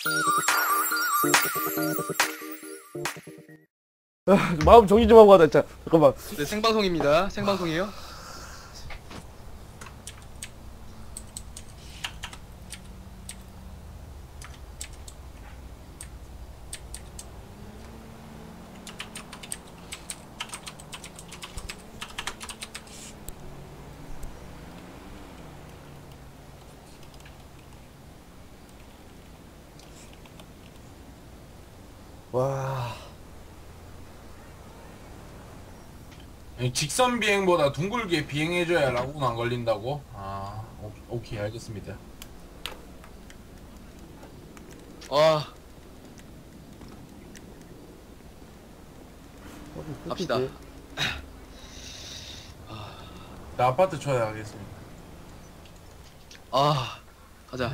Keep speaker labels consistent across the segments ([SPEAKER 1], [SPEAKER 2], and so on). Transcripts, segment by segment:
[SPEAKER 1] 마음 정리 좀 하고 가자 진짜. 잠깐만.
[SPEAKER 2] 네, 생방송입니다. 생방송이에요?
[SPEAKER 1] 와.
[SPEAKER 3] 직선 비행보다 둥글게 비행해줘야 라고는 안 걸린다고? 아, 오케이, 알겠습니다.
[SPEAKER 2] 와. 갑시다.
[SPEAKER 3] 나 아파트 초대하겠습니다.
[SPEAKER 2] 아, 가자.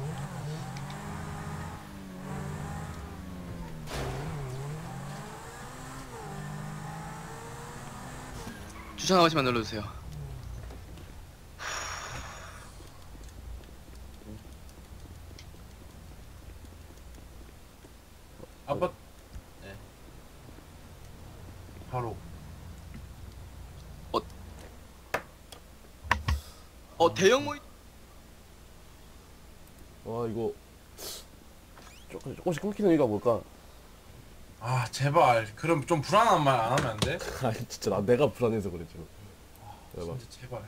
[SPEAKER 2] 주차 한 번씩만 눌러주세요.
[SPEAKER 3] 아파트, 네. 바로.
[SPEAKER 2] 대형 모임.
[SPEAKER 1] 와 이거 조금씩 끊기는 이유가 뭘까?
[SPEAKER 3] 아, 제발. 그럼 좀 불안한 말 안 하면 안 돼?
[SPEAKER 1] 아니 진짜 내가 불안해서 그래 지금.
[SPEAKER 3] 진짜 제발.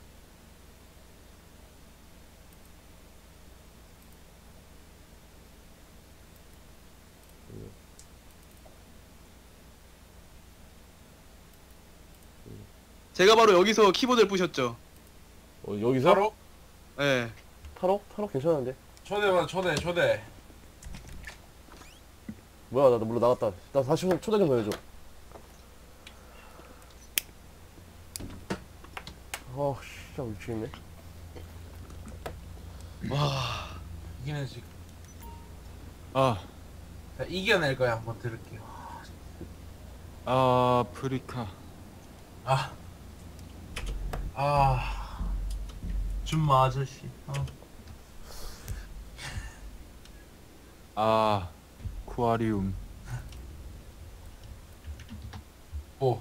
[SPEAKER 2] 제가 바로 여기서 키보드를 부셨죠.
[SPEAKER 1] 여기서?
[SPEAKER 3] 바로?
[SPEAKER 2] 네.
[SPEAKER 1] 타로? 타로 괜찮은데?
[SPEAKER 3] 초대봐, 초대.
[SPEAKER 1] 뭐야 나 몰라 나갔다. 나 다시 초대 좀 해줘. 진짜 미치겠네.
[SPEAKER 2] 와.
[SPEAKER 3] 이기는 지금.
[SPEAKER 4] 아,
[SPEAKER 3] 자, 이겨낼 거야. 한번 들을게요.
[SPEAKER 4] 아프리카.
[SPEAKER 3] 준마 아저씨.
[SPEAKER 4] 아쿠아리움.
[SPEAKER 3] 오.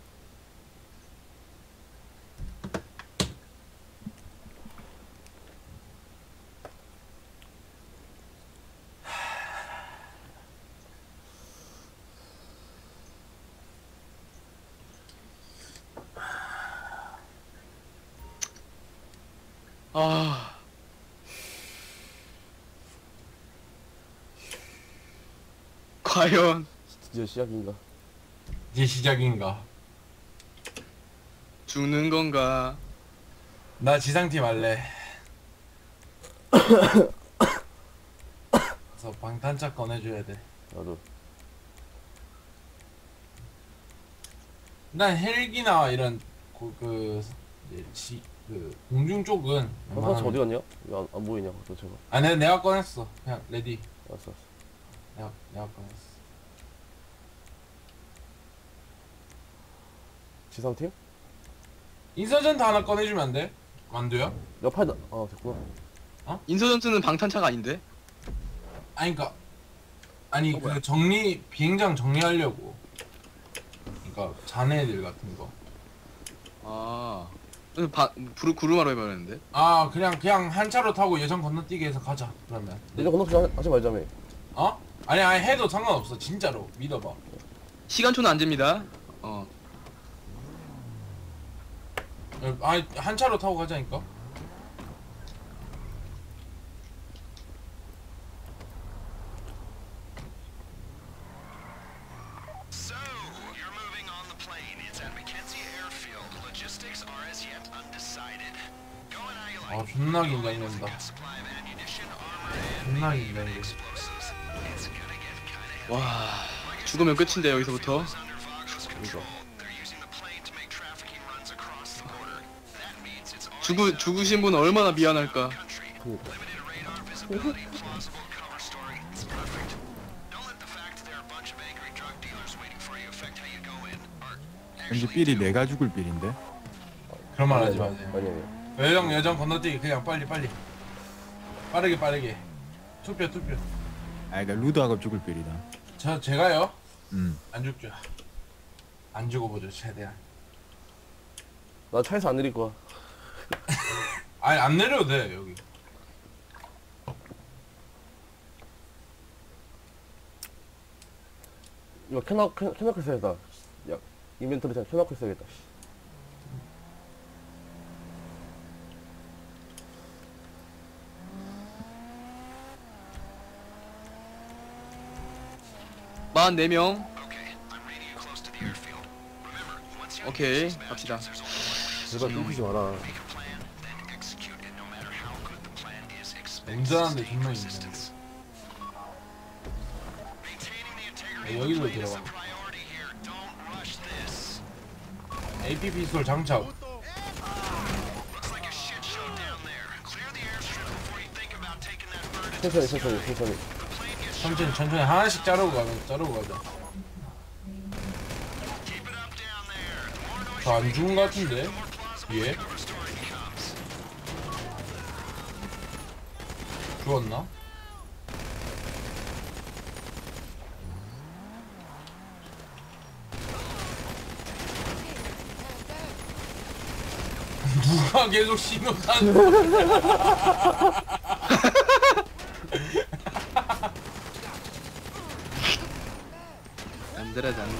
[SPEAKER 2] 아. 과연
[SPEAKER 1] 드디어 시작인가?
[SPEAKER 3] 이제 시작인가?
[SPEAKER 2] 죽는 건가?
[SPEAKER 3] 나 지상팀 할래. 그래서 방탄차 꺼내줘야 돼.
[SPEAKER 1] 나도.
[SPEAKER 3] 난 헬기나 이런 공중 쪽은
[SPEAKER 1] 방탄차 어디 갔냐? 왜 안 보이냐 도대체가.
[SPEAKER 3] 아, 내가 꺼냈어. 그냥 레디.
[SPEAKER 1] 알았어.
[SPEAKER 3] 내가 꺼냈어.
[SPEAKER 1] 지상팀?
[SPEAKER 3] 인서전트 하나 꺼내주면 안 돼? 만두야?
[SPEAKER 1] 옆에 됐구나.
[SPEAKER 2] 인서전트는 방탄차가 아닌데?
[SPEAKER 3] 아니
[SPEAKER 2] 뭐야?
[SPEAKER 3] 그 비행장 정리하려고. 그러니까 자네들 같은 거.
[SPEAKER 2] 아. 구루마로 해버렸는데?
[SPEAKER 3] 아, 그냥 한 차로 타고 예전 건너뛰기 해서 가자. 그러면.
[SPEAKER 1] 이제 건너뛰기 하지 말자며.
[SPEAKER 3] 아니 해도 상관없어. 진짜로 믿어봐.
[SPEAKER 2] 시간초는 안 됩니다.
[SPEAKER 3] 아니 한 차로 타고 가자니까. 아, 존나 긴장된다. 존나 긴장돼.
[SPEAKER 2] 와. 죽으면 끝인데 여기서부터. 죽으신 분 얼마나 미안할까.
[SPEAKER 4] 왠지 삘이 내가 죽을 삘인데.
[SPEAKER 3] 그런 말 하지 마세요.
[SPEAKER 1] 아니.
[SPEAKER 3] 예전 건너뛰기 그냥 빨리 빠르게 투표.
[SPEAKER 4] 아, 그러니까 루드하고 죽을 빌이다.
[SPEAKER 3] 제가요?
[SPEAKER 4] 음.
[SPEAKER 3] 안 죽죠. 안 죽어보죠 최대한.
[SPEAKER 1] 나 차에서 안 내릴 거야.
[SPEAKER 3] 아니 안 내려도 돼 여기.
[SPEAKER 1] 이거 켜놓고 있어야겠다. 야, 인벤토리 잘 켜놓고 있어야겠다.
[SPEAKER 2] 만 4명. 오케이, 갑시다.
[SPEAKER 1] 제발 끊기지 마라.
[SPEAKER 3] 운전하는데 존나 힘드네. 여기로 들어가. APP 솔 장착. 천천히 하나씩 자르고 가자. 저 안 죽은 것 같은데 위에 죽었나? 누가 계속 신호탄
[SPEAKER 2] 안 들어야 돼.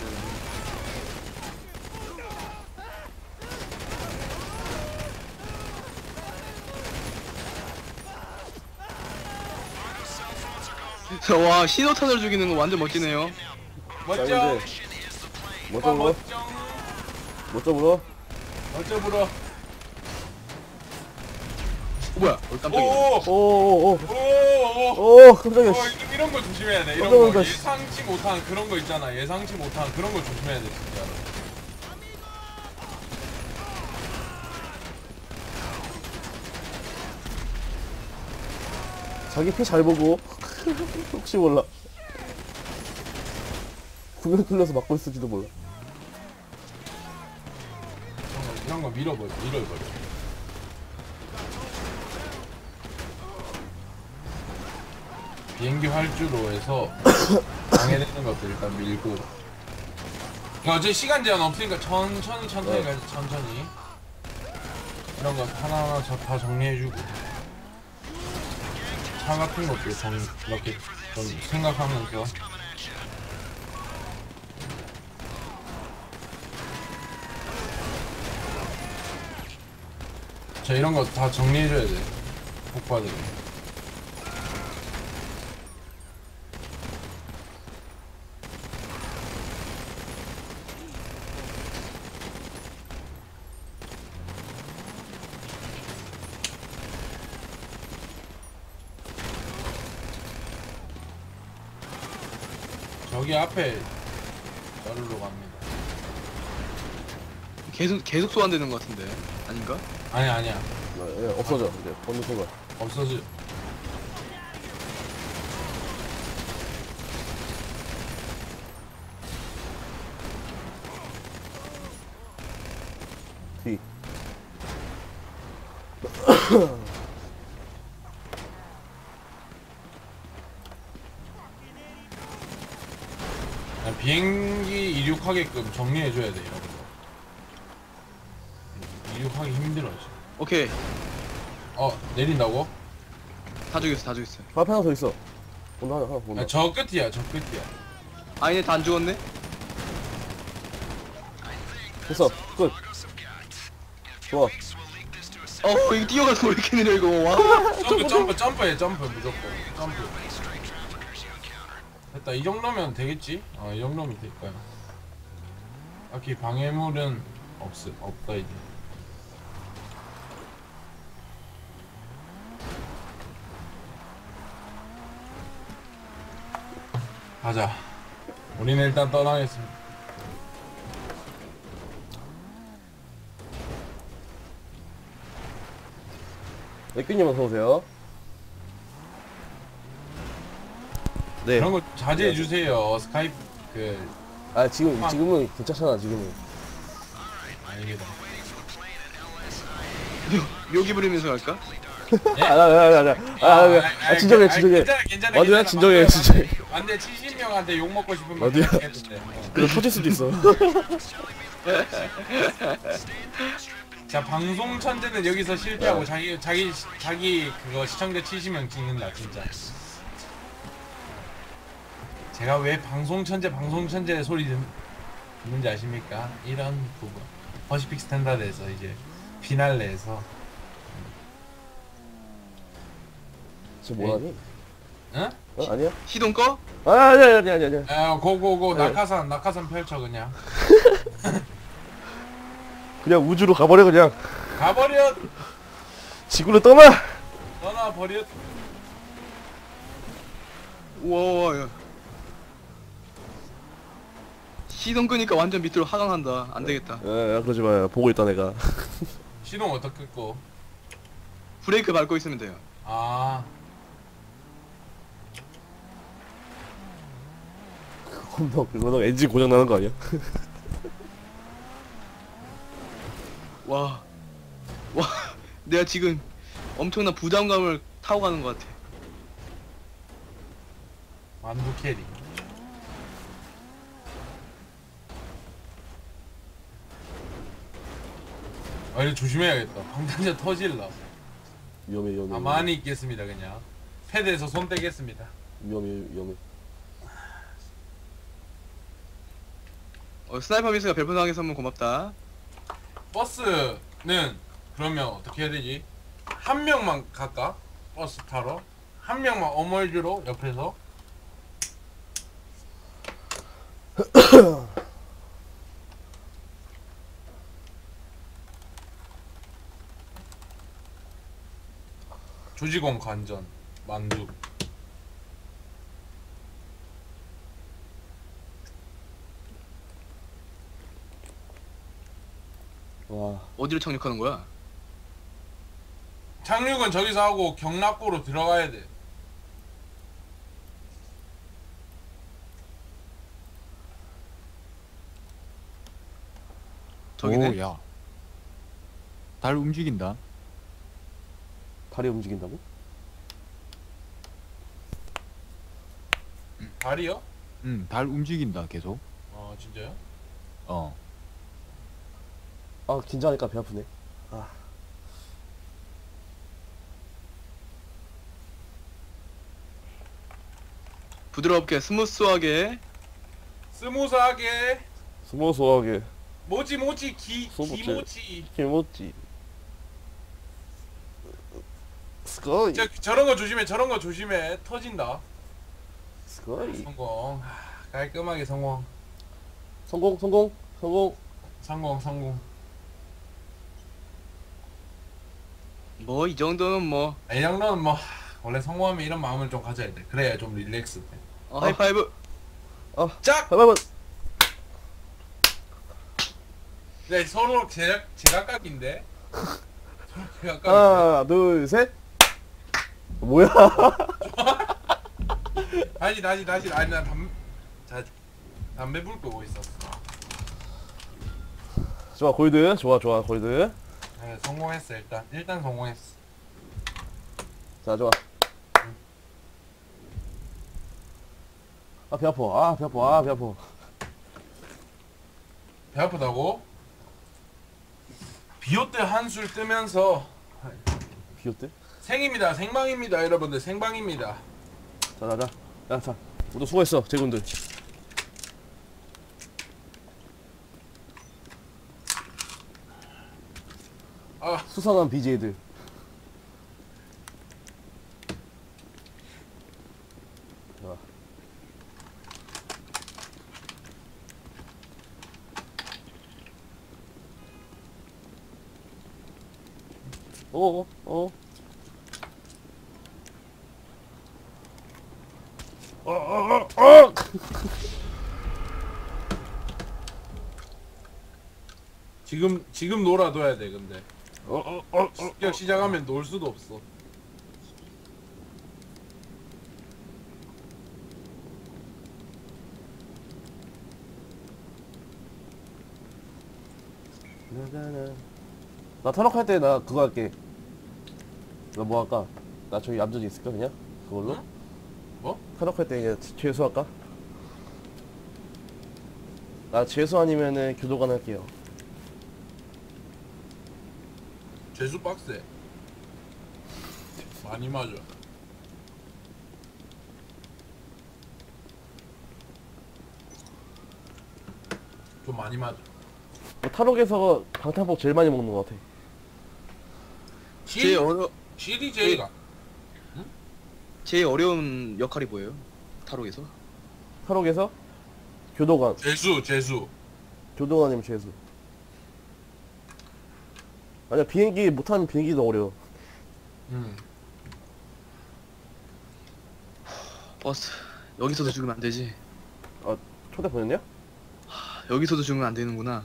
[SPEAKER 2] 와, 신호탄을 죽이는 거 완전 멋지네요.
[SPEAKER 3] 멋져.
[SPEAKER 1] 멋져 물어? 멋져 물어?
[SPEAKER 3] 멋져 불어.
[SPEAKER 2] 뭐야? 깜짝이야.
[SPEAKER 3] 오오오오.
[SPEAKER 1] 오, 깜짝이야.
[SPEAKER 3] 이런 거 조심해야 돼. 이런
[SPEAKER 1] 깜짝
[SPEAKER 3] 거
[SPEAKER 1] 놀랐다.
[SPEAKER 3] 예상치 못한 그런 거 있잖아. 예상치 못한 그런 거 조심해야 돼 진짜.
[SPEAKER 1] 자기 피 잘 보고. 혹시 몰라. 구명 뚫려서 막고 있을지도 몰라.
[SPEAKER 3] 이런 거 밀어버려. 비행기 활주로 해서 방해되는 것들 일단 밀고. 어제 시간 제한 없으니까 천천히 가자. 천천히. 이런 거 하나하나 다 정리해주고. 차 같은 것도 이렇게 좀 생각하면서. 자, 이런 거 다 정리해줘야 돼. 폭파들. 저기 앞에 자르러 갑니다.
[SPEAKER 2] 계속 소환되는 것 같은데. 아닌가?
[SPEAKER 3] 아니야.
[SPEAKER 1] 예, 없어져. 이제 번호 순간.
[SPEAKER 3] 없어져.
[SPEAKER 1] 뒤.
[SPEAKER 3] 비행기 이륙하게끔 정리해줘야 돼 이런 거. 이륙하기 힘들어 지금.
[SPEAKER 2] 오케이.
[SPEAKER 3] 내린다고?
[SPEAKER 2] 다 죽였어.
[SPEAKER 1] 그 앞에 하나 더 있어. 온다, 하나 온다.
[SPEAKER 3] 저 끝이야.
[SPEAKER 2] 아니네, 다 안 죽었네?
[SPEAKER 1] 됐어. 끝. 좋아.
[SPEAKER 2] 이거 뛰어가서 왜 이렇게 느려, 이거. 와.
[SPEAKER 3] 점프해 무조건. 점프. 됐다. 이 정도면 되겠지? 이 정도면 될 거야. 딱히 방해물은 없다 이제. 가자. 우리는 일단 떠나겠습니다.
[SPEAKER 1] 맥규님 어서오세요. 네.
[SPEAKER 3] 그런 거 자제해 주세요. 스카이프
[SPEAKER 1] 지금은 괜찮잖아, 지금은.
[SPEAKER 3] 아닙니다.
[SPEAKER 2] 묘기 부리면서 갈까?
[SPEAKER 3] 예?
[SPEAKER 1] 진정해.
[SPEAKER 3] 괜찮아.
[SPEAKER 1] 어디야? 진정해, 진정해.
[SPEAKER 3] 안돼 70명한테 욕 먹고 싶으면
[SPEAKER 1] 어디야?
[SPEAKER 3] 그렇겠는데.
[SPEAKER 1] 그거 터질 수도 있어.
[SPEAKER 3] 자 방송 천재는 여기서 실패하고 자기 그거 시청자 70명 찍는다 진짜. 제가 왜 방송 천재 소리 듣는지 아십니까? 이런 부분 퍼시픽 스탠다드에서 이제 피날레에서
[SPEAKER 1] 지금 뭐하니?
[SPEAKER 3] 응?
[SPEAKER 1] 아니야?
[SPEAKER 2] 시동 꺼?
[SPEAKER 1] 아니야.
[SPEAKER 3] 고고고
[SPEAKER 1] 네.
[SPEAKER 3] 낙하산 펼쳐 그냥
[SPEAKER 1] 그냥 우주로 가버려 그냥.
[SPEAKER 3] 가버려
[SPEAKER 1] 지구를 떠나.
[SPEAKER 3] 떠나버려.
[SPEAKER 2] 우와, 야. 시동 끄니까 완전 밑으로 하강한다. 안 되겠다.
[SPEAKER 1] 야, 그러지 마. 보고 있다 내가.
[SPEAKER 3] 시동 어떻게 끄고?
[SPEAKER 2] 브레이크 밟고 있으면 돼요.
[SPEAKER 3] 아
[SPEAKER 1] 그거 엔진 고장 나는 거 아니야?
[SPEAKER 2] 와, 내가 지금 엄청난 부담감을 타고 가는 것 같아.
[SPEAKER 3] 만두 캐리. 아 이거 조심해야겠다. 방탄자 터질라.
[SPEAKER 1] 위험해.
[SPEAKER 3] 가만히 있겠습니다 그냥. 패드에서 손 떼겠습니다.
[SPEAKER 1] 위험해.
[SPEAKER 2] 스나이퍼 미스가 별풍선하게 선물 고맙다.
[SPEAKER 3] 버스는 그러면 어떻게 해야 되지? 한 명만 갈까? 버스 타러? 한 명만 어멀주로 옆에서? 조직원 관전 만두.
[SPEAKER 1] 와,
[SPEAKER 2] 어디로 착륙하는 거야?
[SPEAKER 3] 착륙은 저기서 하고 경락고로 들어가야 돼.
[SPEAKER 2] 저기네.
[SPEAKER 4] 오, 야. 달 움직인다.
[SPEAKER 1] 다리 움직인다고?
[SPEAKER 3] 다리요?
[SPEAKER 4] 달 움직인다 계속.
[SPEAKER 3] 아 진짜요?
[SPEAKER 4] 어.
[SPEAKER 1] 아, 긴장하니까 배 아프네.
[SPEAKER 2] 부드럽게 스무스하게.
[SPEAKER 3] 스무스하게.
[SPEAKER 1] 스무스하게.
[SPEAKER 3] 모지
[SPEAKER 1] 스무스.
[SPEAKER 3] 기모치.
[SPEAKER 1] 김치. 스카이.
[SPEAKER 3] 저런 거 조심해. 터진다.
[SPEAKER 1] 스카이.
[SPEAKER 3] 성공. 깔끔하게 성공.
[SPEAKER 1] 성공.
[SPEAKER 3] 성공.
[SPEAKER 2] 뭐 이 정도는 뭐.
[SPEAKER 3] 이 정도는 뭐 원래 성공하면 이런 마음을 좀 가져야 돼. 그래야 좀 릴렉스 돼.
[SPEAKER 2] 하이파이브.
[SPEAKER 3] 짝!
[SPEAKER 1] 봐봐.
[SPEAKER 3] 네, 서로 제각각인데. 서로 제각각.
[SPEAKER 1] 하나, 둘, 셋. 뭐야?
[SPEAKER 3] 다시. 아니 나 담배 불 끄고 있었어.
[SPEAKER 1] 좋아, 골드. 좋아, 골드.
[SPEAKER 3] 네, 성공했어 일단 성공했어.
[SPEAKER 1] 자, 좋아. 배 아파. 배 아파.
[SPEAKER 3] 배 아프다고? 비오때 한술 뜨면서
[SPEAKER 1] 비었대?
[SPEAKER 3] 생방입니다 여러분들 생방입니다.
[SPEAKER 1] 자. 모두 수고했어, 제군들. 수상한 BJ들. 자. 어.
[SPEAKER 3] 지금 놀아둬야 돼 근데. 습격 시작하면 놀 수도 없어.
[SPEAKER 1] 나 탈옥할 때 나 그거 할게. 너 뭐 할까? 나 저기 얌전히 있을까 그냥? 그걸로?
[SPEAKER 3] 응? 뭐?
[SPEAKER 1] 카노 할때 그냥 죄수할까? 나 죄수 아니면은 교도관 할게요.
[SPEAKER 3] 죄수 빡세. 많이 맞아. 좀 많이 맞아.
[SPEAKER 1] 뭐 탈옥에서 방탄복 제일 많이 먹는 것 같아.
[SPEAKER 2] 제일 어려
[SPEAKER 3] CDJ가
[SPEAKER 2] 제일 어려운 역할이 뭐예요? 타로에서?
[SPEAKER 1] 탈옥에서 교도관,
[SPEAKER 3] 죄수.
[SPEAKER 1] 교도관이면 죄수. 아니야 비행기 못하는 비행기도 어려워.
[SPEAKER 2] 버스 여기서도 죽으면 안 되지.
[SPEAKER 1] 초대 보냈냐?
[SPEAKER 2] 여기서도 죽으면 안 되는구나.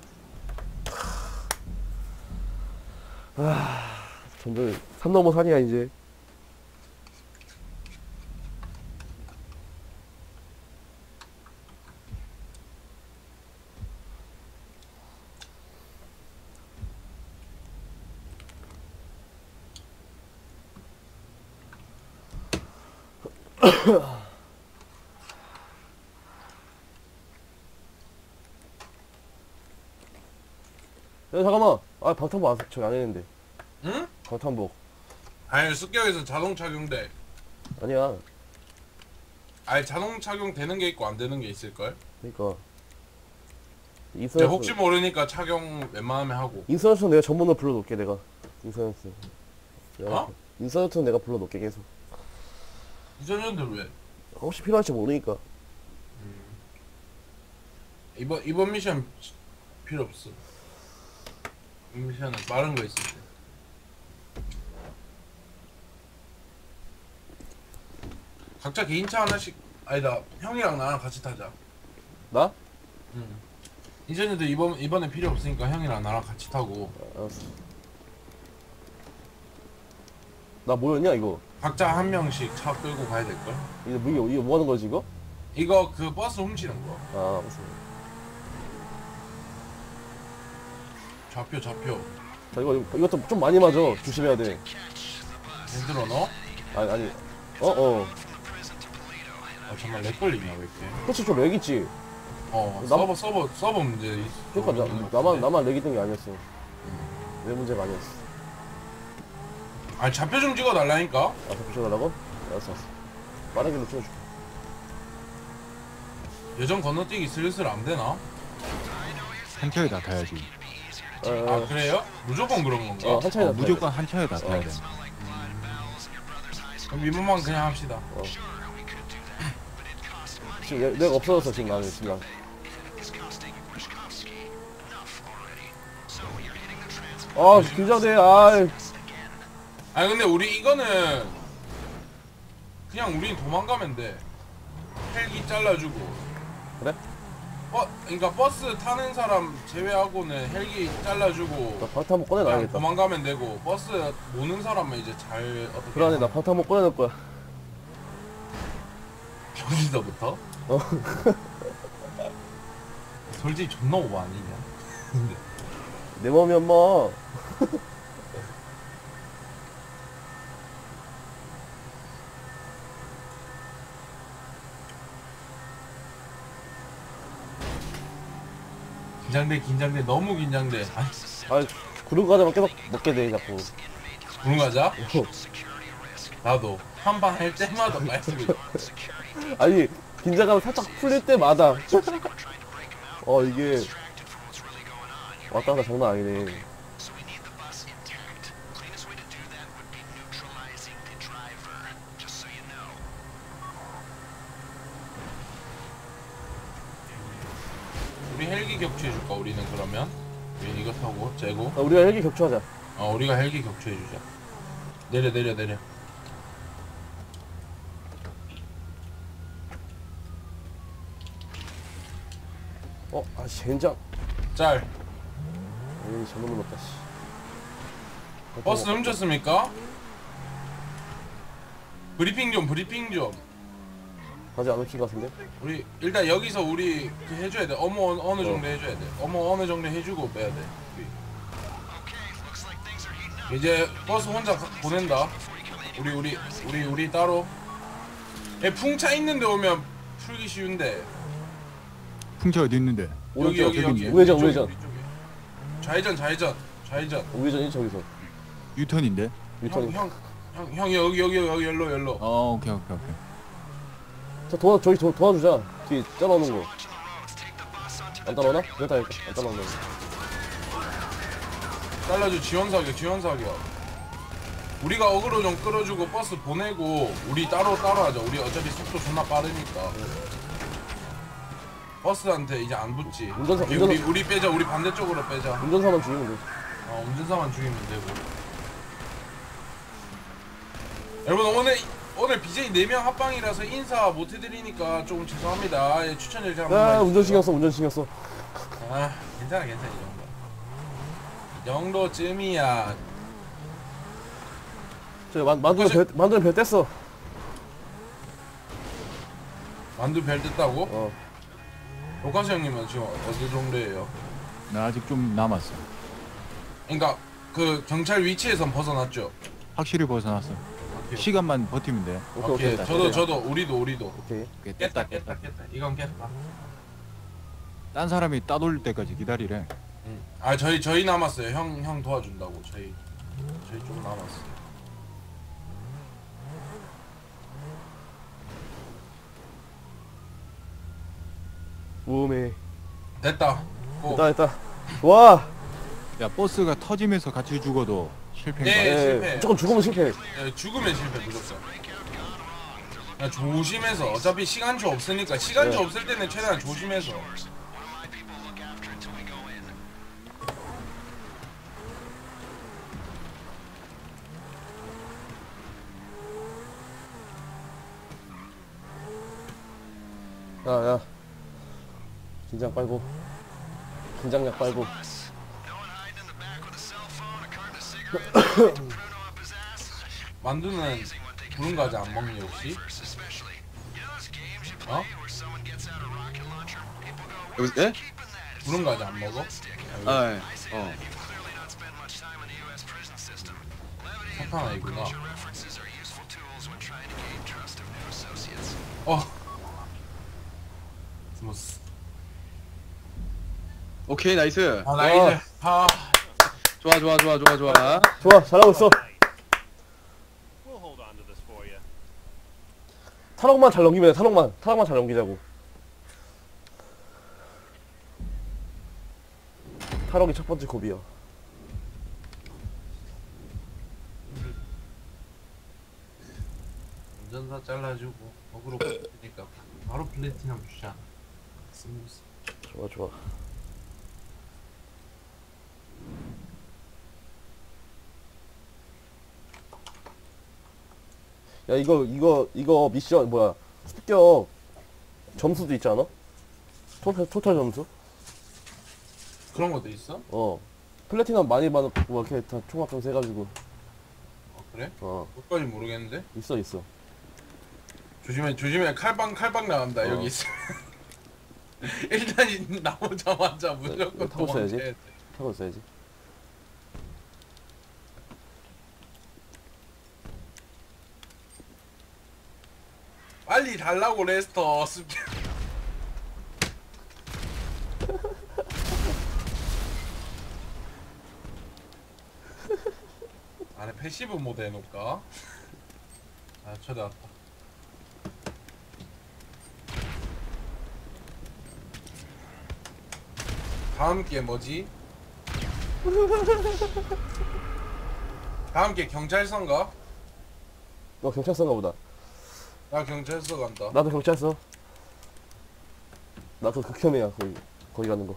[SPEAKER 1] 점점 산 넘어 산이야 이제. 야 잠깐만. 아 방탄복 안 저기 안 했는데.
[SPEAKER 3] 응?
[SPEAKER 1] 방탄복.
[SPEAKER 3] 아니 습격에서 자동 착용돼.
[SPEAKER 1] 아니야.
[SPEAKER 3] 아니 자동 착용 되는 게 있고 안 되는 게 있을걸?
[SPEAKER 1] 그러니까.
[SPEAKER 3] 근데
[SPEAKER 1] 인서연스.
[SPEAKER 3] 혹시 모르니까 착용 웬만하면 하고.
[SPEAKER 1] 인서연스 내가 전문으로 불러놓을게 내가. 인서연스.
[SPEAKER 3] 어?
[SPEAKER 1] 인서연스는 내가 불러놓을게 계속.
[SPEAKER 3] 이전년들 왜?
[SPEAKER 1] 혹시 필요할지 모르니까.
[SPEAKER 3] 이번 미션 필요 없어. 이 미션은 빠른 거 있을 때. 각자 개인차 하나씩. 아니다, 형이랑 나랑 같이 타자.
[SPEAKER 1] 나?
[SPEAKER 3] 이전에도 이번에 필요 없으니까 형이랑 나랑 같이 타고
[SPEAKER 1] 알았어. 나 뭐였냐 이거?
[SPEAKER 3] 각자 한 명씩 차 끌고 가야 될걸?
[SPEAKER 1] 이거 뭐 하는 거지 이거?
[SPEAKER 3] 이거 그 버스 훔치는 거.
[SPEAKER 1] 아 무슨.
[SPEAKER 3] 좌표.
[SPEAKER 1] 자 이것도 좀 많이 맞아. 조심해야 돼.
[SPEAKER 3] 힘들어 너?
[SPEAKER 1] 아니. 어.
[SPEAKER 3] 아 정말 렉 걸리냐 왜 이렇게?
[SPEAKER 1] 그렇지 좀 렉 있지.
[SPEAKER 3] 서버 문제
[SPEAKER 1] 그러니까 나만 렉 있는 게 아니었어. 내 문제가 아니었어.
[SPEAKER 3] 아니 좌표 좀 찍어 달라니까.
[SPEAKER 1] 아 더 부셔달라고? 알았어. 빠른 길로 찍어줄게.
[SPEAKER 3] 예전 건너뛰기 슬슬 안 되나?
[SPEAKER 4] 한 차에 다 타야지.
[SPEAKER 3] 아 그래요? 무조건 그런 건가?
[SPEAKER 1] 한 차에
[SPEAKER 4] 무조건 한 차에 다 타야 돼.
[SPEAKER 3] 그럼 이번만 그냥 합시다.
[SPEAKER 1] 지금 내가 없어졌어 지금 나는 지금. 아 긴장돼.
[SPEAKER 3] 아니 근데 우리 이거는 그냥 우린 도망가면 돼. 헬기 잘라주고.
[SPEAKER 1] 그래?
[SPEAKER 3] 그러니까 버스 타는 사람 제외하고는 헬기 잘라주고
[SPEAKER 1] 나 방탄복
[SPEAKER 3] 그냥
[SPEAKER 1] 꺼내놔야겠다.
[SPEAKER 3] 도망가면 되고 버스 모는 사람은 이제 잘 어떻게
[SPEAKER 1] 그러네 나 방탄복 꺼내놓을 거야.
[SPEAKER 3] 여기서부터? 솔직히 존나 오버 아니냐?
[SPEAKER 1] 내 맘이 엄마.
[SPEAKER 3] 긴장돼 너무 긴장돼.
[SPEAKER 1] 아 구름 과자만 계속 먹게 돼 자꾸.
[SPEAKER 3] 구름 과자? 나도 한 판 할 때마다 말씀이
[SPEAKER 1] 아니 긴장감 살짝 풀릴 때마다 이게 왔다 갔다 장난 아니네.
[SPEAKER 3] 우리 헬기 격추해줄까 우리는 그러면? 우리 이거 타고 재고
[SPEAKER 1] 우리가 헬기 격추하자.
[SPEAKER 3] 우리가 헬기 격추해주자. 내려
[SPEAKER 1] 젠장.
[SPEAKER 3] 짤.
[SPEAKER 1] 에이 잘못 눌렀다 씨.
[SPEAKER 3] 버스 훔쳤습니까? 브리핑 좀
[SPEAKER 1] 아직 안 훔친 것 같은데?
[SPEAKER 3] 우리 일단 여기서 우리 그 해줘야 돼. 어느 정도 해줘야 돼. 어느 정도 해주고 빼야 돼. 이제 버스 혼자 보낸다. 우리 따로. 풍차 있는데 오면 풀기 쉬운데.
[SPEAKER 4] 풍차 어디 있는데?
[SPEAKER 3] 여기.
[SPEAKER 1] 우회전.
[SPEAKER 3] 우리 쪽에. 좌회전.
[SPEAKER 1] 우회전이 저기서.
[SPEAKER 4] 유턴인데?
[SPEAKER 1] 유턴.
[SPEAKER 3] 형 여기 열로.
[SPEAKER 4] 오케이.
[SPEAKER 1] 자 저기 도와주자. 뒤에 잘라오는 거. 안 따라오나? 됐다. 안 따라오네.
[SPEAKER 3] 잘라줘. 지원 사격. 우리가 어그로 좀 끌어주고 버스 보내고 우리 따로 하자. 우리 어차피 속도 존나 빠르니까. 버스한테 이제 안 붙지. 우리 빼자. 우리 반대쪽으로 빼자.
[SPEAKER 1] 운전사만 죽이면 돼.
[SPEAKER 3] 운전사만 죽이면 되고. 여러분 오늘 BJ 4명 합방이라서 인사 못 해드리니까 조금 죄송합니다. 예, 추천 일자 한번 해주세요.
[SPEAKER 1] 운전 신경 써.
[SPEAKER 3] 괜찮아 이 정도쯤이야.
[SPEAKER 1] 저 만두는 별 뗐어.
[SPEAKER 3] 만두 별 뜯다고? 로카스 형님은 지금 어디 정도예요?
[SPEAKER 4] 나 아직 좀 남았어.
[SPEAKER 3] 그러니까 그 경찰 위치에선 벗어났죠?
[SPEAKER 4] 확실히 벗어났어.
[SPEAKER 3] 오케이.
[SPEAKER 4] 시간만 버티면 돼.
[SPEAKER 3] 오케이. 저도 우리도
[SPEAKER 1] 오케이.
[SPEAKER 3] 깼다. 이건 깼다.
[SPEAKER 4] 딴 사람이 따돌릴 때까지 기다리래.
[SPEAKER 3] 저희 남았어요. 형 도와준다고. 저희 좀 남았어.
[SPEAKER 1] 우메.
[SPEAKER 3] 됐다.
[SPEAKER 1] 됐다. 좋아.
[SPEAKER 4] 야, 버스가 터지면서 같이 죽어도 실패인 거야.
[SPEAKER 3] 네, 실패.
[SPEAKER 1] 무조건 죽으면 실패.
[SPEAKER 3] 죽으면 실패 무조건. 야, 조심해서. 어차피 시간초 없으니까. 시간초 없을 때는 최대한 조심해서.
[SPEAKER 1] 야. 긴장약 빨고.
[SPEAKER 3] 만두는 부른 과자 안 먹니 혹시?
[SPEAKER 2] 여기 예?
[SPEAKER 3] 부른 과자 안 먹어?
[SPEAKER 2] 예.
[SPEAKER 3] 착한 아이구나. 스무스.
[SPEAKER 2] 오케이 나이스.
[SPEAKER 3] 나이스.
[SPEAKER 2] 좋아.
[SPEAKER 1] 좋아, 잘하고 있어. 탄옥만 잘 넘기면 돼. 탄옥만 잘 넘기자고. 탄옥이 첫 번째 고비야.
[SPEAKER 3] 운전사 잘라주고 어그로 끌니까 바로 플래티넘 주잖아. 스무스.
[SPEAKER 1] 좋아. 야 이거 미션 뭐야? 습격 점수도 있지 않아? 토탈 점수?
[SPEAKER 3] 그런 것도 있어?
[SPEAKER 1] 플래티넘 많이 받고 뭐 이렇게 다 총합 점수 해가지고.
[SPEAKER 3] 그래? 그것까지 모르겠는데?
[SPEAKER 1] 있어.
[SPEAKER 3] 조심해. 칼빵 나간다. 여기 있어. 일단 나오자마자 무조건
[SPEAKER 1] 타고 있어야지.
[SPEAKER 3] 도망쳐야 돼.
[SPEAKER 1] 타고 있어야지.
[SPEAKER 3] 빨리 달라고 레스터. 습격. 안에 패시브 모드 해놓을까? 쳐다왔다. 다음 게 뭐지? 다음 게 경찰서인가?
[SPEAKER 1] 너 경찰서인가 보다.
[SPEAKER 3] 나 경찰서 간다.
[SPEAKER 1] 나도 경찰서. 나 그 극혐이야 거기 가는 거.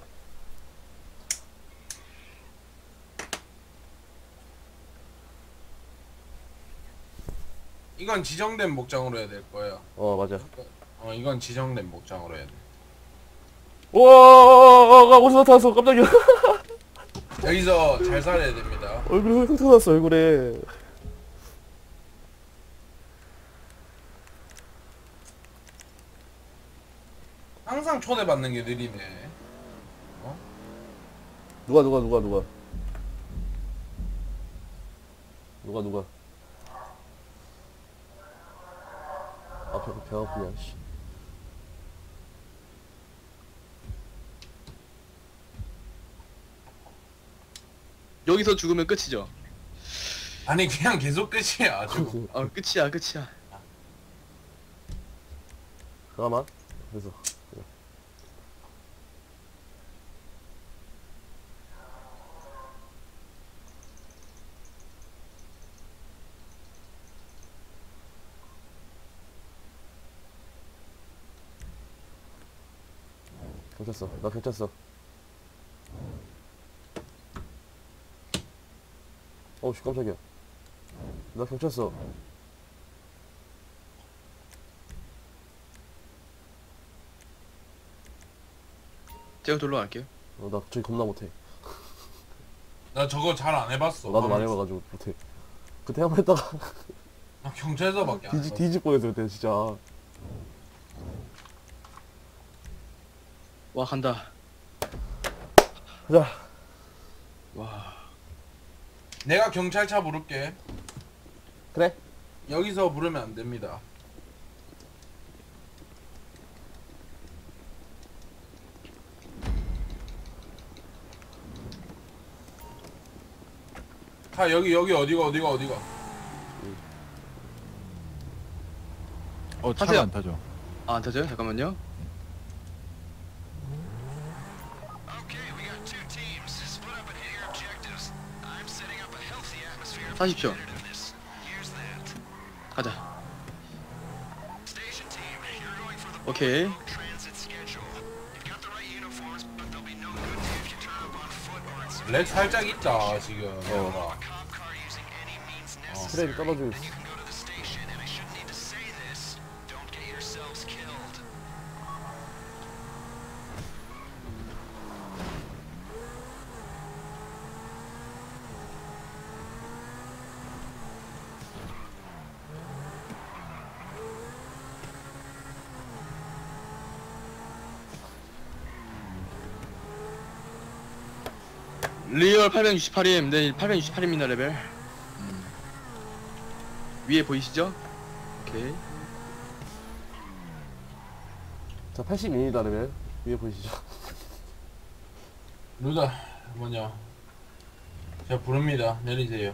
[SPEAKER 3] 이건 지정된 목장으로 해야 될 거야.
[SPEAKER 1] 맞아.
[SPEAKER 3] 이건 지정된 목장으로 해야 돼.
[SPEAKER 1] 우와, 어디서 나타났어? 깜짝이야.
[SPEAKER 3] 여기서 잘 살아야 됩니다.
[SPEAKER 1] 얼굴에 흉터 났어, 얼굴에.
[SPEAKER 3] 항상 초대받는 게 느리네.
[SPEAKER 1] 누가? 누가? 아, 배 아프냐, 씨.
[SPEAKER 2] 여기서 죽으면 끝이죠.
[SPEAKER 3] 아니 그냥 계속 끝이야 저거.
[SPEAKER 2] 끝이야.
[SPEAKER 1] 잠깐만. 그래서. 경찰서. 나 경찰서. 어우씨, 깜짝이야. 나 경찰서.
[SPEAKER 2] 제가 돌로 갈게요.
[SPEAKER 1] 나 저기 겁나 못해.
[SPEAKER 3] 나 저거 잘 안 해봤어.
[SPEAKER 1] 나도 많이 해봐가지고 못해. 그때 한 번 했다가
[SPEAKER 3] 나 경찰서밖에 안 해봤어.
[SPEAKER 1] 뒤집 뻔했어 그때 진짜.
[SPEAKER 2] 와 간다.
[SPEAKER 1] 가자.
[SPEAKER 2] 와.
[SPEAKER 3] 내가 경찰차 부를게.
[SPEAKER 1] 그래.
[SPEAKER 3] 여기서 부르면 안 됩니다. 다 여기 어디가?
[SPEAKER 4] 차가
[SPEAKER 2] 타세요.
[SPEAKER 4] 안 타죠.
[SPEAKER 2] 안 타져요? 잠깐만요. 타십시오. 가자. 오케이.
[SPEAKER 3] 렉 살짝 있다 지금.
[SPEAKER 1] 트레이 떨어지고 있어.
[SPEAKER 2] 리얼 868임. 네, 868입니다 레벨. 위에 보이시죠? 오케이.
[SPEAKER 1] 자, 82입니다 레벨. 위에 보이시죠?
[SPEAKER 3] 루다 뭐냐? 제가 부릅니다. 내리세요.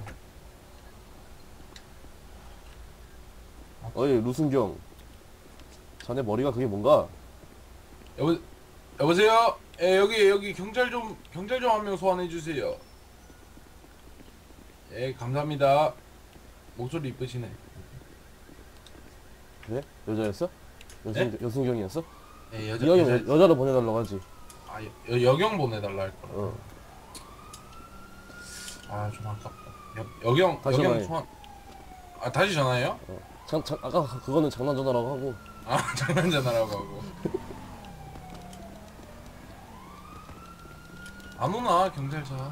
[SPEAKER 1] 어이 루승경. 자네 머리가 그게 뭔가?
[SPEAKER 3] 여보세요? 예, 여기 경찰 좀 한 명 소환해 주세요. 예, 감사합니다. 목소리 이쁘시네.
[SPEAKER 1] 그래? 여자였어?
[SPEAKER 3] 네?
[SPEAKER 1] 여승경이었어?
[SPEAKER 3] 예,
[SPEAKER 1] 이왕이 여자로 보내달라고 하지.
[SPEAKER 3] 아, 여경 보내달라 할 거라.
[SPEAKER 1] 어.
[SPEAKER 3] 아, 좀 아깝다. 여경
[SPEAKER 1] 다시
[SPEAKER 3] 여경
[SPEAKER 1] 전화해.
[SPEAKER 3] 소환. 아, 다시 전화해요?
[SPEAKER 1] 아까 그거는 장난 전화라고 하고.
[SPEAKER 3] 아, 장난 전화라고 하고. 안 오나 경찰차?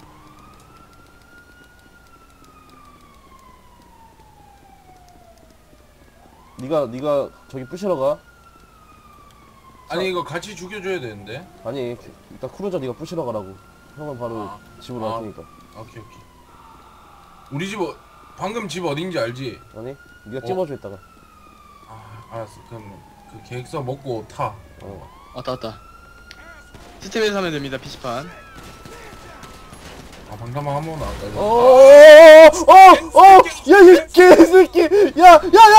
[SPEAKER 1] 네가 저기 부시러 가.
[SPEAKER 3] 아니 이거 같이 죽여줘야 되는데.
[SPEAKER 1] 아니 일단 크루저 네가 부시러 가라고. 형은 바로
[SPEAKER 3] 아.
[SPEAKER 1] 집으로
[SPEAKER 3] 아.
[SPEAKER 1] 갈 테니까.
[SPEAKER 3] 오케이. 우리 집 방금 집 어딘지 알지?
[SPEAKER 1] 아니 네가 찝어줘 이따가.
[SPEAKER 3] 아, 알았어. 그럼 그 계획서 먹고 타.
[SPEAKER 2] 왔다. 시스템에서 하면 됩니다. PC판.
[SPEAKER 3] 아, 방금만 한 번은 안 가져.
[SPEAKER 1] 야, 이 개새끼! 야!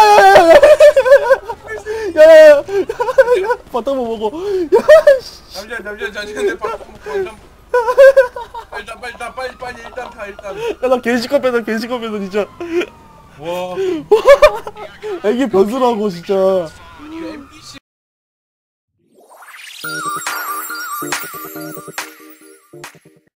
[SPEAKER 1] 바닥 못 먹어.
[SPEAKER 3] 잠시만 내 방금 빨리 일단 타 일단.
[SPEAKER 1] 야, 나 개시커 뺐어, 진짜.
[SPEAKER 3] 와.
[SPEAKER 1] 애기 변수라고, 진짜.
[SPEAKER 3] 이거 NPC